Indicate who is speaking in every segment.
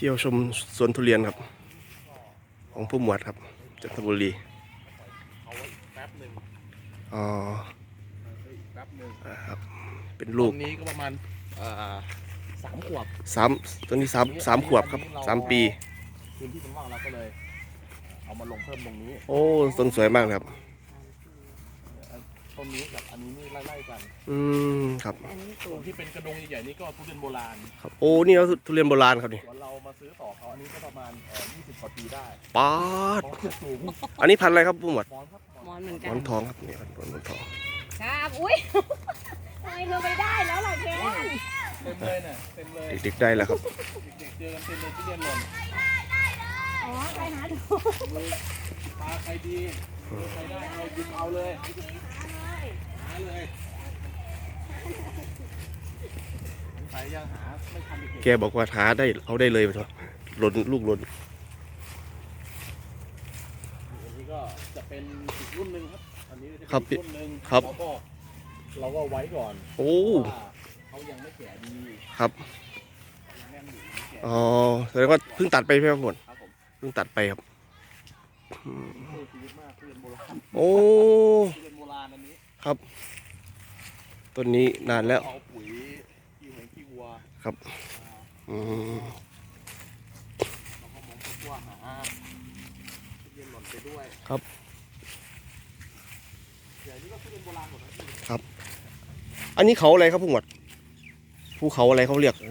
Speaker 1: ที่ยวชมสวนทุเรียนครับของผู้หมวดครับจันทบุรี
Speaker 2: เอาไว้แป๊บหนึ่ง
Speaker 1: อ๋อ
Speaker 2: แป๊บหนึ่ง
Speaker 1: ครับเป็น
Speaker 2: ต
Speaker 1: ลูก
Speaker 2: อนนี้ก็ประมาณ3 ขวบ
Speaker 1: สามตัวนี้สามขวบครับ3 ปี
Speaker 2: พื้นที่มันว่างเราก็เลยเอามาลงเพิ่มตรงนี้
Speaker 1: โอ้ต้นสวยมากครับ
Speaker 2: ต้นนี้กับอันนี้นี่ไล่ๆกัน
Speaker 1: ครับ
Speaker 2: ส่วนที่เป็นกระดงใหญ่ๆนี่ก็ทุเรียนโบราณ
Speaker 1: ครับโอ้นี่เราทุเรียนโบราณครับนี่
Speaker 2: ส่วนเรามาซื้อต่อเขาอันนี้ก็ประมาณ20 กว่าปีได้
Speaker 1: ป๊าด
Speaker 2: สูง
Speaker 1: อันนี้พันธุ์อะไรครับผู้หมวด
Speaker 3: มอนเหมือน
Speaker 1: ห
Speaker 3: กัน
Speaker 1: มอนทองครับนี่ครับหมอนทอง
Speaker 3: ครับอุ้ยทำไมเธอไม่ได้แล้วล่ะแก
Speaker 2: เต็มเลยเนี่ยเต็มเลย
Speaker 1: เด็กๆได้แล้วครับ
Speaker 2: เด็กๆเจอกันเต็มเลยทุเรียนหล่น
Speaker 3: อ๋อไปหาดู
Speaker 2: ปลาใครดีใครได้ใครดึงเอาเลยหาเลยใครยังหาไม่ทันเด็ก
Speaker 1: แกบอกว่าหาได้เอาได้เลยครับหล่นลูกหล่น
Speaker 2: อันนี้ก็จะเป็นอีกรุ่นหนึ่งครับอันนี้จะ
Speaker 1: เป็น
Speaker 2: อีกรุ่นหนึ่งเราก็ไว้ก่อน
Speaker 1: โอ้
Speaker 2: เขายังไม่แก่ดี
Speaker 1: ครับอ๋อแสดงว่าเพิ่งตัดไปใช่ไหมครับหมดเพิ่งตัดไปครับโอ้ครับต้นนี้นานแล้ว
Speaker 2: เอาปุ๋ยขี้วัว
Speaker 1: ครับ
Speaker 2: เราก็มองตัวหาเรียนหล่นไปด้วย
Speaker 1: ครับ
Speaker 2: ใหญ่นี่ก็เป็นโบราณหมด
Speaker 1: นะครับอันนี้เขาอะไรครับผู้หมวดภูเขาอะไรเขาเรียก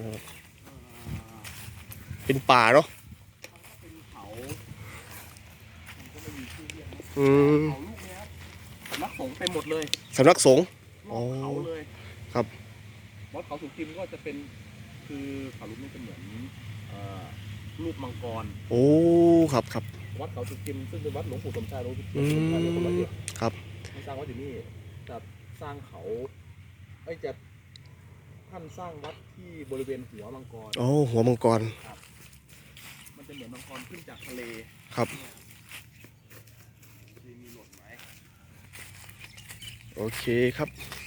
Speaker 1: เป็นป่าเนาะ
Speaker 2: เป็นเขามันก็ไม่มีชื่อเรียกนะเขาลูกนี้ครับสำนักสงฆ์เต็มหมดเลย
Speaker 1: สำนักสงฆ์
Speaker 2: เขาเลย
Speaker 1: ครับ
Speaker 2: วัดเขาสุกิมก็จะเป็นคือเขาลูกนี้เป็นเหมือนรูปมังกร
Speaker 1: โอ้ครับครับ
Speaker 2: วัดเขาสุกิมซึ่งเป็นวัดหลวงปู่สมชายหลวงปู่สมชายเป็นคนละเอียด
Speaker 1: ครับ
Speaker 2: สร้างวัดอยู่นี่จะสร้างเขาจะท่านสร้างวัดที่บริเวณหัวมังกร
Speaker 1: โอ้หัวมังกร
Speaker 2: ครับมันจะเหมือนมังกรขึ้นจากทะเล
Speaker 1: ครับ
Speaker 2: มีหลดไหม
Speaker 1: โอเคครับ